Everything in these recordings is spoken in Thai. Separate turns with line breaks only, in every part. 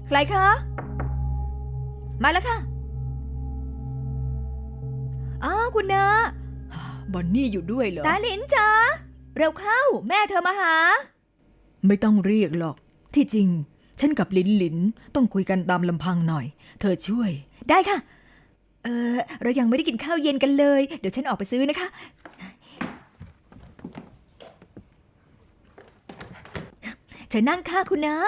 ใครคะมาแล้วค่ะอ้าวคุณนา
บอนนี่อยู่ด้วยเหรอ
ตาลินจ๋าเร็วเข้าแม่เธอมาหา
ไม่ต้องเรียกหรอกที่จริงฉันกับลินต้องคุยกันตามลำพังหน่อยเธอช่วย
ได้ค่ะเรายังไม่ได้กินข้าวเย็นกันเลยเดี๋ยวฉันออกไปซื้อนะคะเชิญนั่งค่ะคุณนา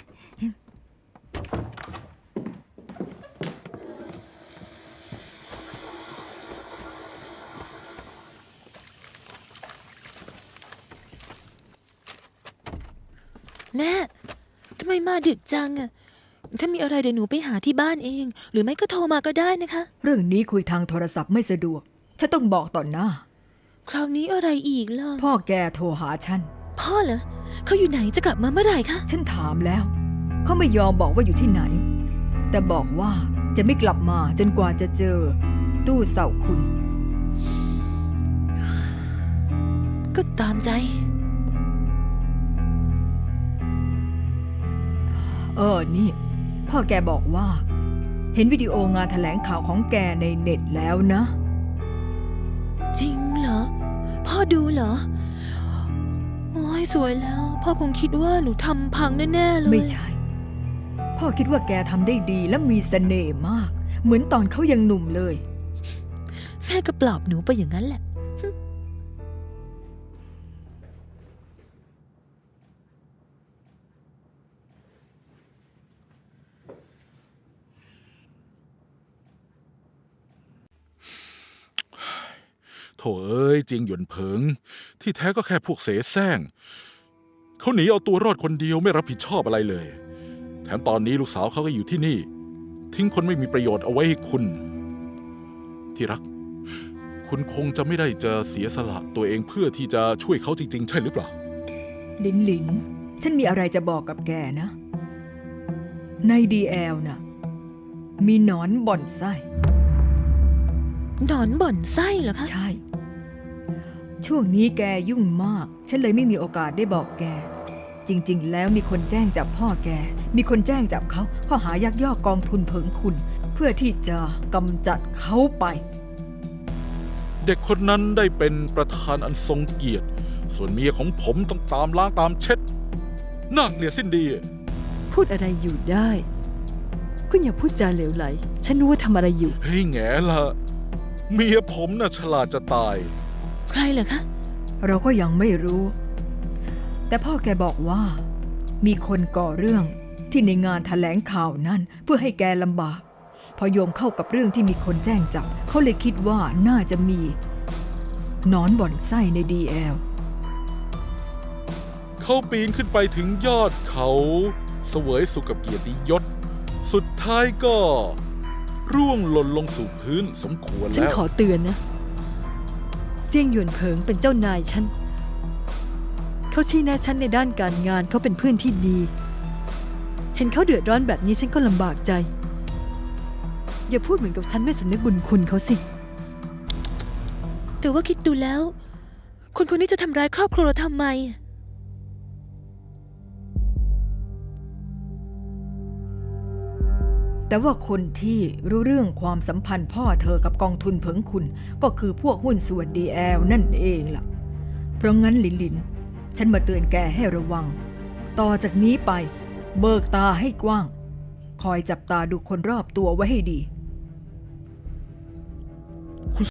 แม่ทำไมมาดึกจังอะถ้ามีอะไรเดี๋ยวหนูไปหาที่บ้านเองหรือไม่ก็โทรมาก็ได้นะคะ
เรื่องนี้คุยทางโทรศัพท์ไม่สะดวกฉันต้องบอกต่อหน้า
คราวนี้อะไรอีกล่ะ
พ่อแกโทรหาฉัน
พ่อเหรอเขาอยู่ไหนจะกลับมาเมื่อไหร่คะ
ฉันถามแล้วเขาไม่ยอมบอกว่าอยู่ที่ไหนแต่บอกว่าจะไม่กลับมาจนกว่าจะเจอตู้เสาคุณ
ก็ตามใจ
นี่พ่อแกบอกว่าเห็นวิดีโองานแถลงข่าวของแกในเน็ตแล้วนะ
จริงเหรอพ่อดูเหรอโอ้ยสวยแล้วพ่อคงคิดว่าหนูทำพังแน่ๆเลย
ไม่ใช่พ่อคิดว่าแกทำได้ดีและมีเสน่ห์มากเหมือนตอนเขายังหนุ่มเลย
แม่ก็ปลอบหนูไปอย่างนั้นแหละ
โถเอ้ยจริงหยวนเผิงที่แท้ก็แค่พวกเสแสร้งเขาหนีเอาตัวรอดคนเดียวไม่รับผิดชอบอะไรเลยแถมตอนนี้ลูกสาวเขาก็อยู่ที่นี่ทิ้งคนไม่มีประโยชน์เอาไว้ให้คุณที่รักคุณคงจะไม่ได้จะเสียสละตัวเองเพื่อที่จะช่วยเขาจริงๆใช่หรือเปล่า
ลินฉันมีอะไรจะบอกกับแกนะในDLน่ะมีหนอนบ่อนไส้
หนอนบ่อนไส้เหรอคะ
ใช่ช่วงนี้แกยุ่งมากฉันเลยไม่มีโอกาสได้บอกแกจริงๆแล้วมีคนแจ้งจับพ่อแกมีคนแจ้งจับเขาข้อหายักยอกกองทุนเผิงคุณเพื่อที่จะกำจัดเขาไป
เด็กคนนั้นได้เป็นประธานอันทรงเกียรติส่วนเมียของผมต้องตามล้างตามเช็ดน่าเกลียดสิ้นดี
พูดอะไรอยู่ได้คุณอย่าพูดจาเหลวไหลฉันรู้ว่าทำอะไรอยู่
เฮ้ยแง่ละเมียผมน่ะฉลาดจะตาย
ใครเหรอคะ
เราก็ยังไม่รู้แต่พ่อแกบอกว่ามีคนก่อเรื่องที่ในงานแถลงข่าวนั้นเพื่อให้แกลำบากพอโยมเข้ากับเรื่องที่มีคนแจ้งจับเขาเลยคิดว่าน่าจะมีหนอนบ่อนไส้ในDL
เขาปีนขึ้นไปถึงยอดเขาเสวยสุขกับเกียรติยศสุดท้ายก็ร่วงหล่นลงสู่พื้นสมควรแล้ว
ฉันขอเตือนนะเจี้ยงหยวนเผิงเป็นเจ้านายฉันเขาชี้แนะฉันในด้านการงานเขาเป็นเพื่อนที่ดีเห็นเขาเดือดร้อนแบบนี้ฉันก็ลำบากใจอย่าพูดเหมือนกับฉันไม่สำนึกบุญคุณเขาสิ
แต่ว่าคิดดูแล้วคนคนนี้จะทำร้ายครอบครัวเราทำไม
แต่ว่าคนที่รู้เรื่องความสัมพันธ์พ่อเธอกับกองทุนเผิงคุณก็คือพวกหุ้นส่วนDLนั่นเองล่ะเพราะงั้นลินฉันมาเตือนแกให้ระวังต่อจากนี้ไปเบิกตาให้กว้างคอยจับตาดูคนรอบตัวไว้ให้ดี